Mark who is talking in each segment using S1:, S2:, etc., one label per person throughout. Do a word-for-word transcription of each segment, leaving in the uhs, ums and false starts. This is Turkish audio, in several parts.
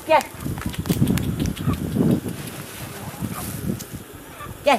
S1: Gel. Gel.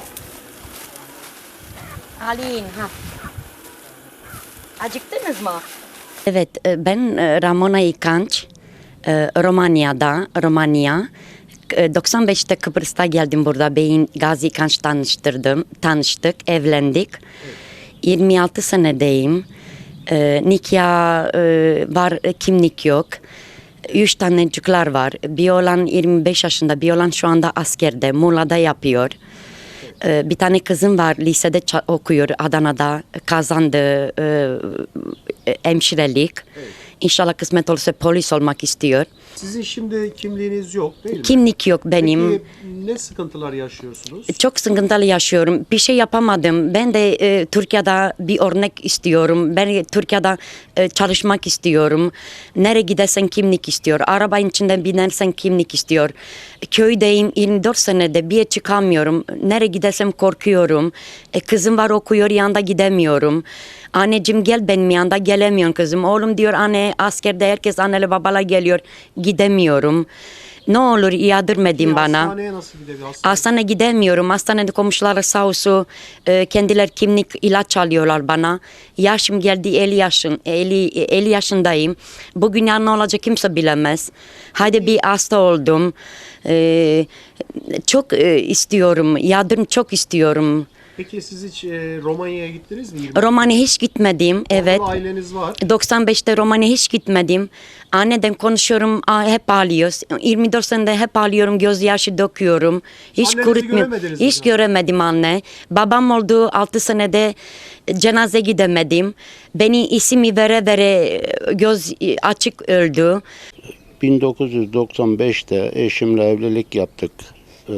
S1: Alin, ha. Acıktınız mı? Evet, e, ben e, Ramona İkanç, e, Romanya'da, Romanya. E, doksan beşte Kıbrıs'ta geldim burada. Beyin Gazi İkanç tanıştırdım, tanıştık, evlendik. yirmi altı senedeyim. E, nikah e, var, e, kimlik yok. Üç tane çocuklar var. Bir olan yirmi beş yaşında, bir olan şu anda askerde, Muğla'da yapıyor. Bir tane kızım var, lisede okuyor, Adana'da kazandı e, hemşirelik. Evet. İnşallah kısmet olursa polis olmak istiyor.
S2: Sizin şimdi kimliğiniz yok değil mi?
S1: Kimlik yok benim.
S2: Peki ne sıkıntılar yaşıyorsunuz?
S1: Çok sıkıntılı yaşıyorum. Bir şey yapamadım. Ben de e, Türkiye'de bir örnek istiyorum. Ben Türkiye'de e, çalışmak istiyorum. Nereye gidersen kimlik istiyor. Arabanın içinden binersen kimlik istiyor. Köydeyim yirmi dört senede bir yere çıkamıyorum. Nereye gidersem korkuyorum. E, kızım var okuyor, yanında gidemiyorum. Anneciğim gel benim yanında, gelemiyorum kızım. Oğlum diyor anne askerde herkes anneli babala geliyor. Gidemiyorum. Ne olur yadırmadın bana.
S2: Hastaneye nasıl gidebiliyor? Hastane.
S1: Hastaneye gidemiyorum. Hastanede komşuları sağ olsun e, kendileri kimlik ilaç alıyorlar bana. Yaşım geldi elli yaşın, elli, elli yaşındayım. Bugün yarın ne olacak kimse bilemez. Hadi bir hasta oldum. E, çok e, istiyorum. Yardım çok istiyorum.
S2: Peki siz hiç e, Romanya'ya gittiniz mi?
S1: Romanya hiç gitmedim. Evet.
S2: Orada aileniz var.
S1: doksan beşte Romanya hiç gitmedim. Anneden konuşuyorum, hep ağlıyoruz. yirmi dört senede hep ağlıyorum, gözyaşı döküyorum. Hiç
S2: Annenizi
S1: kurutmuyorum.
S2: göremediniz
S1: Hiç
S2: mi?
S1: göremedim anne. Babam oldu altı senede cenaze gidemedim. Beni ismi vere vere göz açık öldü.
S3: bin dokuz yüz doksan beşte eşimle evlilik yaptık. Ee,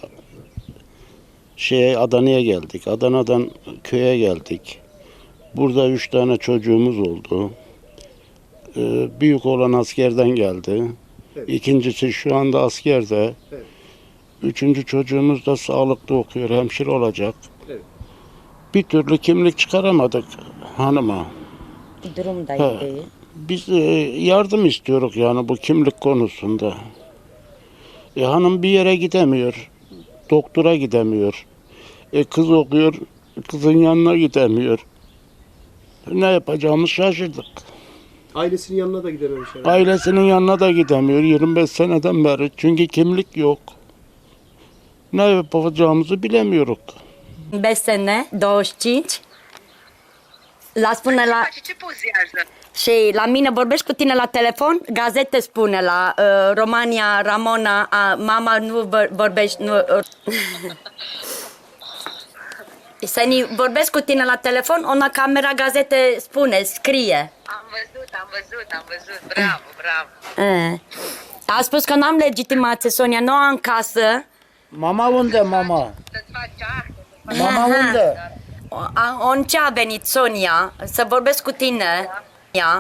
S3: şeye Adana'ya geldik. Adana'dan köye geldik. Burada üç tane çocuğumuz oldu. Ee, büyük olan askerden geldi.
S2: Evet.
S3: İkincisi şu anda askerde.
S2: Evet.
S3: Üçüncü çocuğumuz da sağlıkta okuyor, hemşire olacak.
S2: Evet.
S3: Bir türlü kimlik çıkaramadık hanıma.
S1: Durumdaydı.
S3: Biz e, yardım istiyoruz yani bu kimlik konusunda. E, hanım bir yere gidemiyor. Doktora gidemiyor. E, kız okuyor. Kızın yanına gidemiyor. Ne yapacağımızı şaşırdık.
S2: Ailesinin yanına da gidememiş herhalde.
S3: Ailesinin yanına da gidemiyor yirmi beş seneden beri. Çünkü kimlik yok. Ne yapacağımızı bilemiyoruz.
S1: beş sene, douăzeci și cinci. La spune la...
S4: Ce pozează?
S1: Și la mine vorbești cu tine la telefon, gazete spune la uh, Romania, Ramona, uh, mama nu vor- vorbești, nu... Uh, Să vorbesc cu tine la telefon, ona camera gazete spune, scrie.
S4: Am văzut, am văzut, am văzut. Bravo, bravo.
S1: Uh. A spus că n-am legitimație, Sonia, nu am casă.
S5: Mama unde, mama?
S4: Să-ți faci acte.
S5: Mama
S1: Aha.
S5: unde?
S1: O- a- On ce a venit, Sonia, să vorbesc cu tine. Ia.